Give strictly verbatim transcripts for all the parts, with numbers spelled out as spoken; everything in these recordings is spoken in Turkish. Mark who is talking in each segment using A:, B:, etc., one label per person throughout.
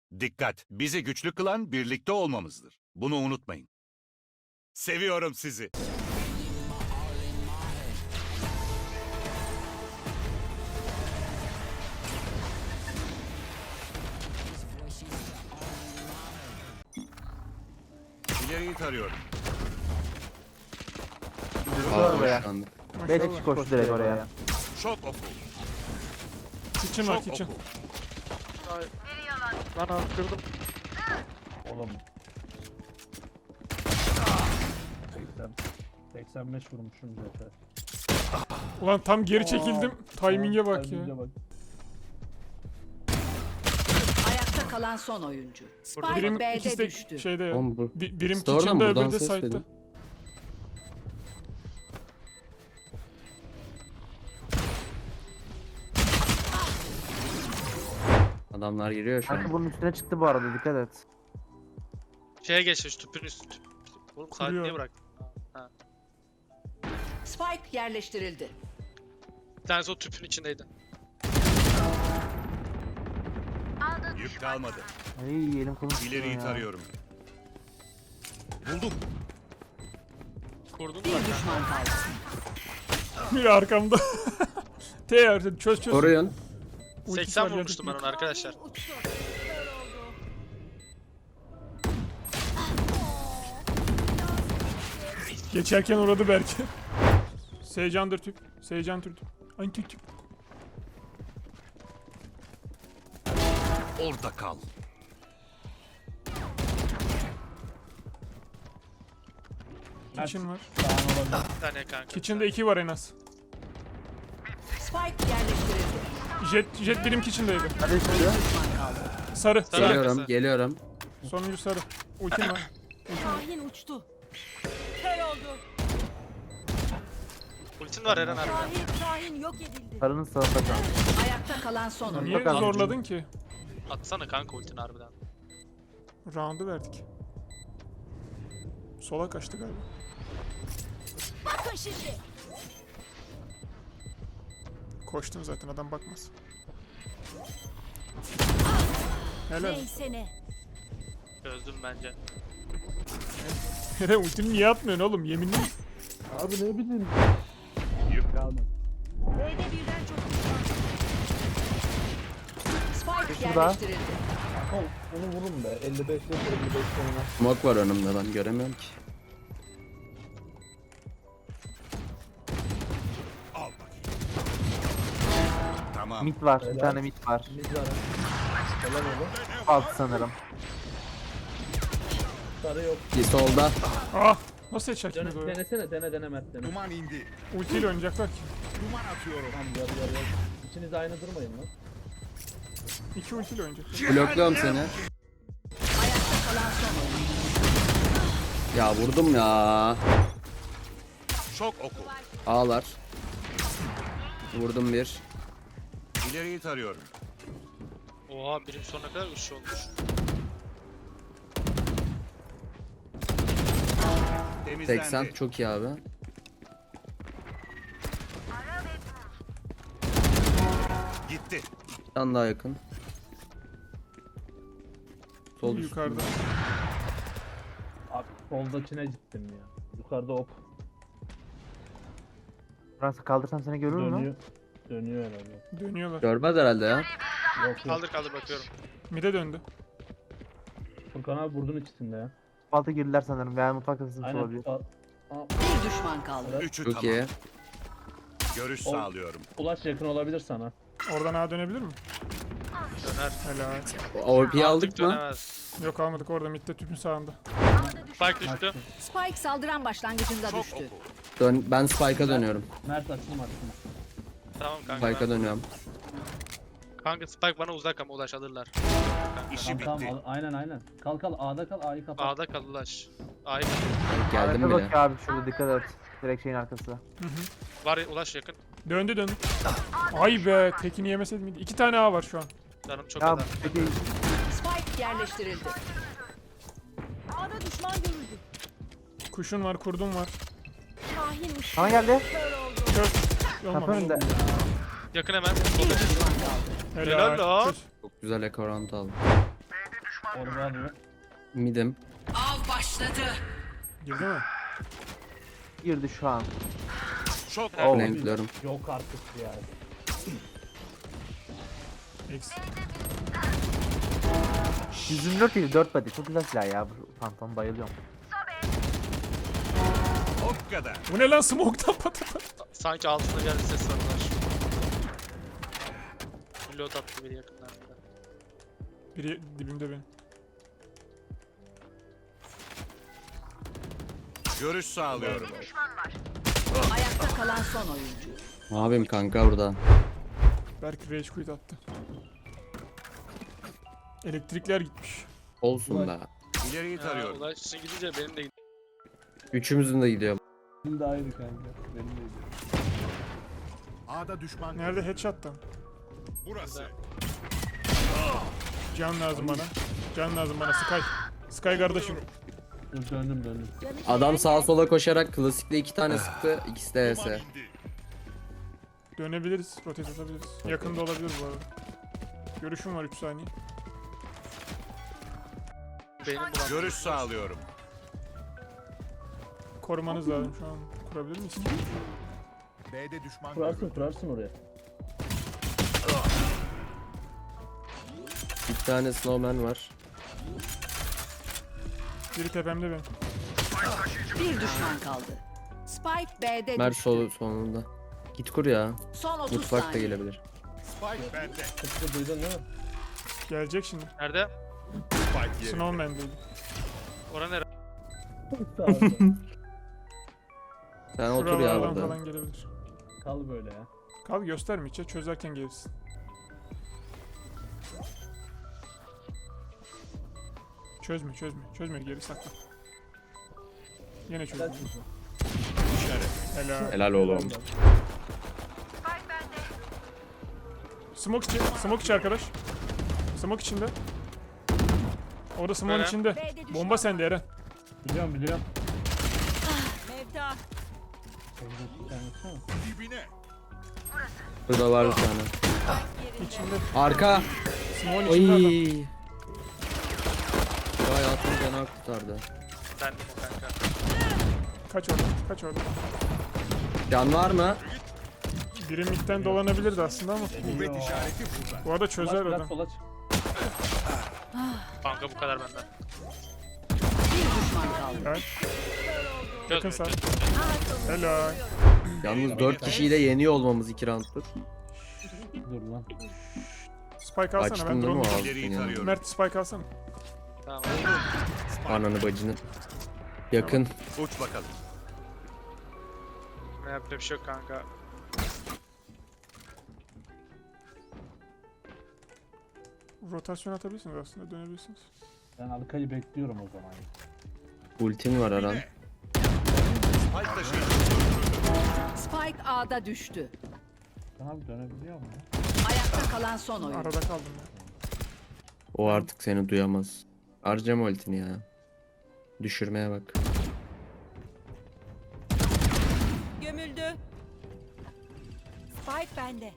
A: Dikkat! Bizi güçlü kılan birlikte olmamızdır. Bunu unutmayın. Seviyorum sizi. İleriyi tarıyorum.
B: Aa,
C: oraya.
B: boşlandı.
C: B kişi koştu direkt oraya.
A: Şok oku.
D: Kitchen var
A: Şok
D: kitchen.
A: oku.
E: Lan attırdım.
F: Oğlum. seksen, seksen beş vurmuşum zaten.
D: Ulan tam geri çekildim. Timing'e bak ya.
F: Timing'e bak.
G: Ayakta kalan son oyuncu. Spike
D: Birim
G: B'de
D: ikisi de
G: düştü.
D: şeyde ya.
B: Oğlum bu.
D: Bi- birim
B: İşte oradan
D: kitchen'da
B: buradan
D: öbürü de
B: ses
D: side'da.
B: dedim. Adamlar giriyor şu
C: Kanka
B: an.
C: bunun üstüne çıktı bu arada, dikkat et.
E: Şeye geçmiş tüpün üstü. Tüp. Oğlum saat
D: Kuruyor.
E: niye bırak?
G: Spike yerleştirildi.
E: Bir tanesi o tüpün içindeydi.
A: Yük kalmadı.
C: Ay elim kolum tutuyor
A: İleriyi
C: ya.
A: tarıyorum. Buldum.
E: Kurdun
G: Bir
E: mu?
G: düşman kaldı.
D: Biri arkamda. T yardım çöz çöz.
B: Koruyun.
D: Ultisi
E: seksen
D: var,
E: vurmuştum ben
D: yardım.
E: onu arkadaşlar.
D: Geçerken uğradı belki. Seycandır tüp. Seycan tüp. Ay tüp tüp.
A: Orada kal.
D: Kitchen var.
F: Sağın olabilir.
E: Bir tane kanka.
D: Kitchen'da iki var en az.
G: Spike yerleştirildi.
D: Jet, jet birim kitchen'daydı.
C: Hadi üstü.
G: Düşman kaldı.
D: Sarı.
E: Sarı.
D: Sarı.
B: Geliyorum,
E: arkası.
B: geliyorum.
D: Sonuncu sarı. Ultim var.
H: Şahin uçtu. Kör oldu.
E: Ultin var Eren abi.
H: Şahin, Şahin yok edildi.
C: Sarının sağında kaldı.
G: Ayakta kalan son oyuncu.
D: Niye
C: Bakalım.
D: zorladın ki?
E: Atsana kanka ultini harbiden.
D: Round'u verdik. Sola kaçtı galiba.
H: Bakın şimdi.
D: Koştun zaten, adam bakmaz. Helal.
H: Neyse ne.
E: Çözdüm bence.
D: Hele ultini niye atmıyorsun oğlum, yeminli.
F: Abi ne bileyim.
A: Yük
F: Kalmadı.
H: B'de birden çok düşman.
G: Spike
C: Şurada.
G: yerleştirildi.
F: Oğlum onu vurun be. elli beş yok elli beş sonuna.
B: Smoke var önümde, ben göremiyorum ki.
A: al bakayım. Tamam.
C: Mid var, bir
F: Helal.
C: tane mid var.
F: Mid var. Helal oğlum.
C: Alt sanırım.
F: Sarı yok.
B: Bir solda.
D: Ah! Nasıl headshot
F: Dene,
D: yemedi o ya?
F: denesene dene dene Mert dene.
A: Duman indi.
D: Ultiyle oynayacaklar ki.
A: Duman atıyorum.
F: Tamam yar yar yar. İkiniz aynı durmayın lan.
D: İki ultiyle oynayacaklar.
B: Blokluyorum seni.
G: Ayakta kalan son oyuncu.
B: Ya vurdum ya.
A: Şok oku.
B: Ağlar. Vurdum bir.
A: İleriyi tarıyorum.
E: Oha birim sonuna kadar üç olmuş.
A: Temizlendi.
B: seksen çok iyi abi.
A: Gitti.
B: Bir tane daha yakın. Sol üstünde.
D: Yukarıda.
F: Abi soldakine gittim ya. Yukarıda op.
C: Burası kaldırsam seni görür mü?
F: Dönüyor. Dönüyor herhalde.
D: Dönüyorlar.
B: Görmez herhalde ya.
F: Yok yok.
E: Kaldır kaldır bakıyorum.
D: Mide döndü.
F: Furkan abi burdun içinde ya.
C: Altı girdiler sanırım veya mutfak kasası
F: Aynen.
C: olabilir.
F: Aa, aa,
G: Bir düşman kaldı.
A: Üçü
B: Çok
A: tamam.
B: iyi.
A: Görüş
F: Ol-
A: sağlıyorum.
F: Ulaş yakın olabilir sana.
D: Oradan A dönebilir mi?
E: Döner.
D: Helal.
B: O P aldık mı?
E: Dönemez.
D: Yok almadık, orada midde tüpün sağında.
E: Spike düştü.
G: Spike saldıran başlangıcında
A: Şok
G: düştü.
A: oku.
B: Dön, ben Spike'a dönüyorum.
F: Mert açılma açılma.
E: Tamam kanka.
B: Spike'a
E: ben-
B: dönüyorum.
E: Kanka Spike bana uzak ama ulaş alırlar.
A: İşi
F: Tamam
A: bitti.
F: tamam al- aynen aynen. Kal kal A'da kal A'yı kapat.
E: A'da kal ulaş. A'yı
B: Geldim
C: Arka
B: bile.
C: bakıyor abi, şurada dikkat et. Direkt şeyin arkası.
E: var ya, ulaş yakın.
D: Döndü döndü. Ay be, tekini yemeseydim miydi? İki tane A var şu an.
E: Canım çok
C: Ya
E: adam.
C: peki
G: Spike yerleştirildi.
H: A'da düşman görüldü.
D: Kuşun var, kurdun var.
H: Şahin uçtu.
C: sana geldi.
H: Kör oldu.
D: Kör.
C: Kapı
D: Olmamış.
C: önünde.
E: Yakın hemen.
G: Bir düşman kaldı.
D: Helal.
E: Helal lan.
D: Çöz.
B: Çok güzel ekorant aldım.
F: Orman mı?
B: Midim.
G: Av başladı.
D: Girdi mi?
C: Girdi şu an.
A: Şok.
C: Oh.
B: Renkliyorum.
F: Yok artık ya.
D: X.
C: yüz yirmi dört değil dört body. Çok güzel silah ya. Bu Phantom bayılıyorum.
A: O kadar.
D: Bu ne lan smoke'tan patata?
E: Sanki altında geldi ses sarılar. Reload attı biri yakınlarda.
D: Biri dibimde benim.
A: Görüş sağlıyorum.
G: Ayakta kalan son oyuncu.
B: Ne yapayım kanka burada?
D: Berk rage quit attı. Elektrikler gitmiş.
B: Olsun da.
A: İleriyi
E: Ha,
A: tarıyorum.
E: Ulaş şimdi gidince benim de gidiyor.
B: Üçümüzün de gidiyor.
F: Benim de ayrı kanka. Benim de gidiyor.
A: A'da düşman.
D: Nerede headshot'tan?
A: Burası.
D: Can lazım bana. Can lazım bana Sky. Sky kardeşim.
F: Dur döndüm döndüm.
B: Adam sağa sola koşarak klasikle iki tane sıktı. İkisi de
A: Duman
B: H S.
A: indi.
D: Dönebiliriz. Rotate atabiliriz. Yakında olabilir bu arada. Görüşüm var üç saniye.
E: Benim bulan.
A: Görüş sağlıyorum.
D: Korumanız lazım şu an. Kurabilir miyiz?
A: B'de düşman.
F: Kurarsın kurarsın oraya.
B: Bir tane snowman var.
D: Biri tepemde benim.
G: Bir düşman kaldı. Spike B'de
B: Mer
G: düştü.
B: sol sonunda. Git kur ya.
G: Son otuz
B: Mutfak da
G: saniye.
B: gelebilir.
A: Spike bende.
F: Tıpkı duydun değil mi?
D: Gelecek şimdi.
E: Nerede?
A: Spike yerinde.
D: Snowman değil.
E: Ora nere?
F: Sağ ol.
B: Sen otur ya
D: Şuralardan
B: burada.
D: falan gelebilir.
F: Kal böyle ya.
D: Kal gösterme içe çözerken gelirsin. Çözme çözme. Çözme geri sakla. Yine çözme.
F: Gel çocuğum.
D: Helal.
B: Helal oğlum.
D: Smoke içi. Smoke içi arkadaş. Smoke içinde. Orada smoke'un
E: Eren.
D: içinde.
H: B'de düşman
D: Bomba sende Eren.
F: Biliyorum biliyorum.
H: Mevda.
F: Bir tanesi ama.
A: Dibine.
B: Burada var bir tane.
D: İçinde.
B: Arka.
D: Smoke'un içinde adam.
B: Oy. Bu hayatım canı kurtardı.
E: Ben de o kanka.
D: Kaç orada. Kaç orada.
B: Can var mı?
D: Biri midden dolanabilirdi aslında ama.
A: Kuvvet işareti burada.
D: Bu arada çözer
F: Biraz, biraz
D: adam.
F: sola çık.
E: Kanka bu kadar benden.
G: Bir düşman kaldı.
D: Evet. Yakın
E: Çözme,
D: sağ.
E: çözme.
D: Helal.
B: Yalnız dört kişiyi de yeniyor olmamız iki rounddur.
F: Dur lan.
D: Spike alsana
B: Açtın
D: ben
B: değil mi o
D: drone.
B: ağzını
A: İleriyi
B: ya?
A: tarıyorum.
D: Mert spike alsana.
E: Tamam.
B: Ananı bacını. Yakın.
A: Uç bakalım.
E: Ne yapacak bir şey yok kanka.
D: Rotasyon atabilirsiniz aslında dönebilirsiniz.
F: Ben arkayı bekliyorum o zaman.
B: Ultin var Aran.
A: Dibine. Spike taşı.
G: Spike A'da düştü.
F: Ben abi dönebiliyor mu?
G: Ayakta kalan son oyuncu.
D: Arada kaldım ya.
B: O artık seni duyamaz. Harcama ultini ya. Düşürmeye bak.
H: Gömüldü. Spike bende.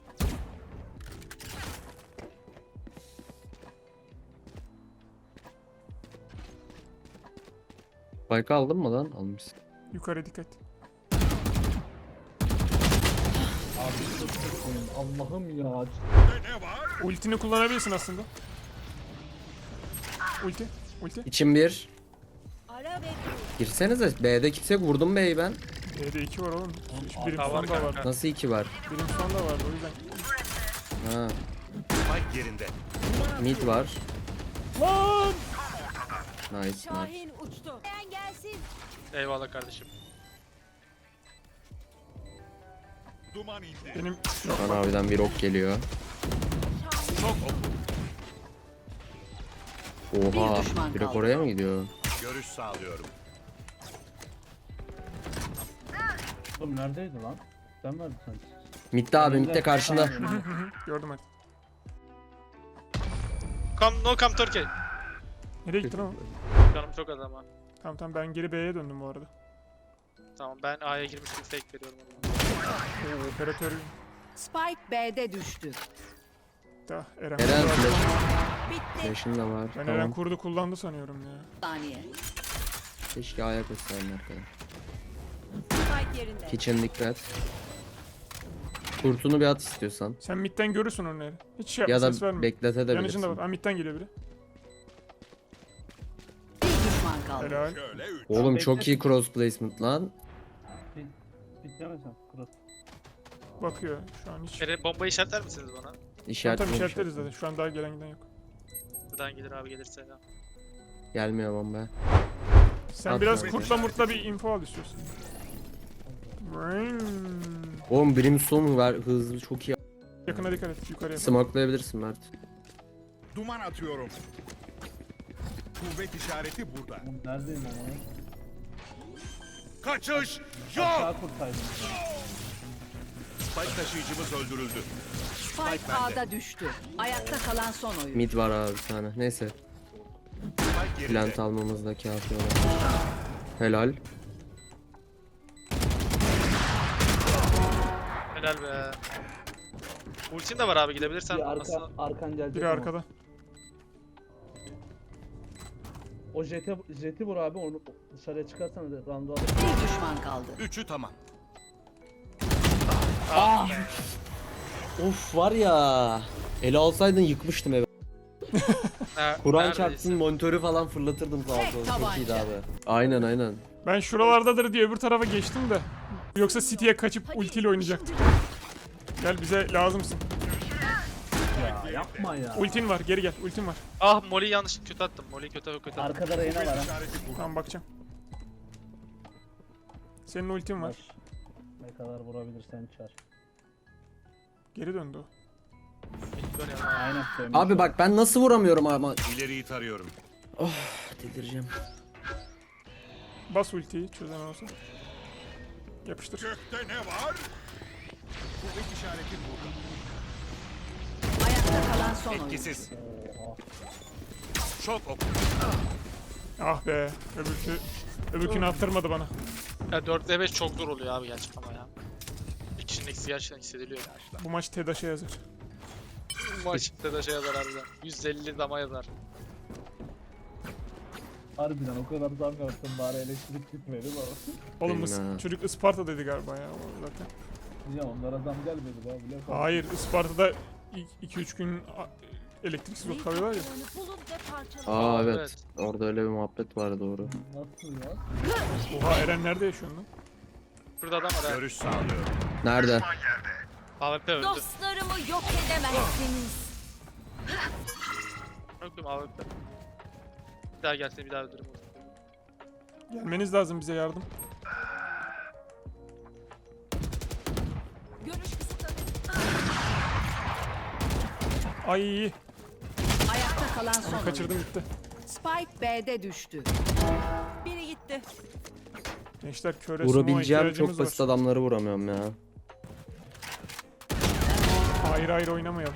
B: Spike aldın mı lan? Almışsın.
D: Yukarı dikkat.
F: Abi çok kötüyüm. Allah'ım ya.
A: Ne var?
D: Ultini kullanabilirsin aslında. Ulti. Ulti.
B: İçim bir.
H: Ara ve
B: Girsenize. B'de kimse yok. Vurdum B'yi ben.
D: B'de iki var oğlum. Şu birim
E: Hata var
D: sonda var.
E: kanka.
B: Nasıl iki var?
D: Birim sonda var o yüzden.
B: Ha.
A: Spike yerinde.
B: Mid var.
D: Lan!
B: Nice nice.
H: Şahin uçtu. Ben gelsin.
E: Eyvallah kardeşim.
A: Duman indi.
D: Benim
B: Kan abiden bir ok geliyor.
A: Çok oku.
B: Oha.
G: Bir düşman
B: Direkt
G: kaldı.
B: oraya mı gidiyor?
A: Görüş sağlıyorum.
F: Oğlum neredeydi lan? Sen verdin sanki.
B: Midde abi midde karşında.
D: gördüm hadi.
E: Come, no come Turkey.
D: Nereye gittin ama?
E: Canım çok az ama.
D: Tamam tamam ben geri B'ye döndüm bu arada.
E: Tamam ben A'ya girmiş gibi fake veriyorum.
D: Oo, operatör
G: Spike B'de düştü.
D: da Eren.
B: Eren flash.
H: Bitti.
B: Flash'ın da var.
D: Ben
B: tamam.
D: Eren kurdu kullandı sanıyorum ya.
G: Saniye.
B: Keşke ayak etseydin arkada.
H: Spike yerinde.
B: Kitchen dikkat. Kurtunu bir at istiyorsan.
D: Sen midden görürsün onları. Hiç şey yapma,
B: Ya da
D: ses verme.
B: bekletebilirsin.
D: Yanıcında var. Ha, midden geliyor biri.
G: Bir düşman kaldı.
D: Helal.
A: Şöyle üç.
B: Oğlum
F: Bekle.
B: çok iyi cross placement lan.
F: Bitlemesem. Kırık.
D: Bakıyor şu an hiç.
E: Kere bombayı işaretler misiniz bana?
D: Tamam
B: İşaret
D: tamam işaretleriz zaten. Şu an daha gelen giden yok.
E: Buradan gelir abi gelirse ya.
B: Gelmiyor bomba.
D: Sen
B: At
D: biraz
B: abi.
D: kurtla murtla bir info al istiyorsan. Brain.
B: Oğlum Brimstone var hızlı çok iyi.
D: Yakına dikkat et yukarıya.
B: Smokelayabilirsin Mert.
A: Duman atıyorum. Kuvvet işareti burada.
F: Oğlum neredeyim ben onu?
A: Kaçış yok.
F: Aşağı kurtaydım.
A: Spike taşıyıcımız öldürüldü.
G: Spike A'da düştü. Ayakta kalan son oyuncu.
B: Mid var abi bir tane. Neyse.
A: Spike yerinde.
B: Plant almamız da kafi olur. Helal.
E: Helal be. Ultin de var abi gidebilirsen.
F: Bir arka,
E: Nasıl?
F: arkan gelecek
D: Biri
F: ama.
D: arkada.
F: O jeti, jeti vur abi onu dışarıya çıkarsan da round'u alır.
G: Bir düşman kaldı.
A: Üçü tamam.
E: Ah!
B: Of var ya. Ele alsaydın yıkmıştım eve.
E: Ha,
B: Kur'an
E: neredeyse.
B: çarpsın monitörü falan fırlatırdım sağ
G: Tek
B: olsun. Çok iyiydi
G: tabanca.
B: abi. Aynen aynen.
D: Ben şuralardadır diye öbür tarafa geçtim de. Yoksa City'ye kaçıp ultiyle oynayacaktım. Gel bize lazımsın.
F: Ya yapma ya.
D: Ultin var geri gel ultin var.
E: Ah Molly yanlış kötü attım. Molly kötü kötü attım.
F: Arkada Reyna var ha.
A: İşareti burada.
D: Tamam bakacağım. Senin ultin var.
F: Var. Ne kadar vurabilirsen çar.
D: Geri döndü o.
E: Dön ya.
F: Aynen söylemiş.
B: Abi bak ben nasıl vuramıyorum ama.
A: İleriyi tarıyorum.
B: Delireceğim.
D: Bas ultiyi çözen olsa. Yapıştır.
A: Gökte ne var? Kuvvet işareti burada.
G: Ayakta kalan son oyuncu.
A: Etkisiz.
F: Oha.
A: Şok oku.
D: Ah be. Öbürkü, öbürkünü attırmadı bana.
E: Ya dörtte beş çok zor oluyor abi gerçekten ama ya. Bir kişinin eksi gerçekten hissediliyor ya.
D: Bu maç TEDAŞ'a yazar.
E: Bu maçta da şey yazar harbiden. yüz elli dama yazar.
F: Harbiden o kadar zam yaptım bari elektrik gitmedi bana.
D: Oğlum
B: Benim
D: Is-
B: ha.
D: çocuk Isparta dedi galiba ya o zaten.
F: Ya onlara zam gelmedi be bile.
D: Hayır Isparta'da iki üç gün a- elektriksiz kalıyorlar ya.
H: Bulun ve parçalayın.
B: Aa evet.
E: Evet.
B: Orada öyle bir muhabbet var doğru.
F: Nasıl ya?
D: Oha Eren nerede yaşıyorsun lan?
E: Burada adam var ha.
A: Görüş sağlıyorum.
B: Nerede?
E: A W P öldü.
H: Dostlarımı yok edemezsiniz.
E: Öldüm A W P. Bir daha gelse bir daha öldürürüm.
D: Gelmeniz lazım bize yardım.
H: Görüş kısıtlanıyor.
D: Ay
G: Ayakta kalan son oyuncu.
D: kaçırdım gitti.
G: Spike B'de düştü.
H: Biri gitti.
D: Gençler köre smoke'a
B: Vurabileceğim
D: ihtiyacımız
B: çok basit
D: var.
B: adamları vuramıyorum ya.
D: Ayrı ayrı oynamayalım.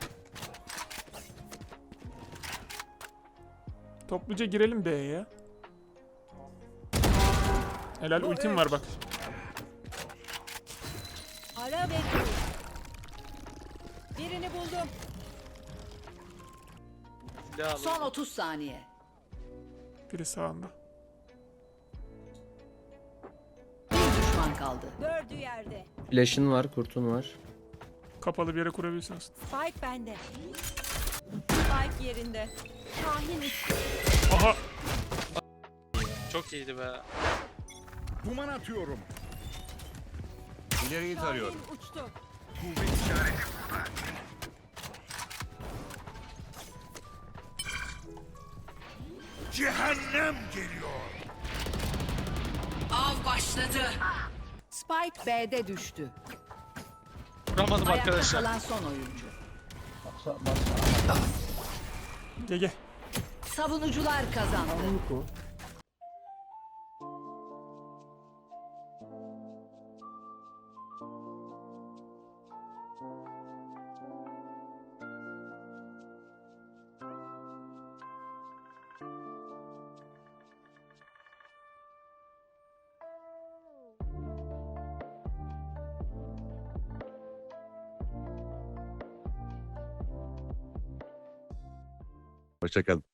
D: Topluca girelim B'ye ya. Helal ultim var bak.
H: Ara ve dur. Birini buldum.
E: Silah alayım.
G: Son otuz saniye.
D: Biri sağında.
G: Bir düşman kaldı.
H: Dördü yerde.
B: Flash'ın var, kurtun var.
D: Kapalı bir yere kurabilirsiniz.
H: Spike bende. Spike yerinde. Şahin uçtu.
D: Aha
E: Çok iyiydi be.
A: Duman atıyorum. İleriyi tarıyorum.
H: Şahin uçtu.
A: Kuvvet işareti burada. Cehennem geliyor.
G: Av başladı. Spike B'de düştü.
E: Vuramadım
G: Ayakta
E: arkadaşlar.
G: kalan son oyuncu.
F: Baksa baksa.
D: G G.
G: Savunucular kazandı.
F: Anlık
A: Hoşçakalın.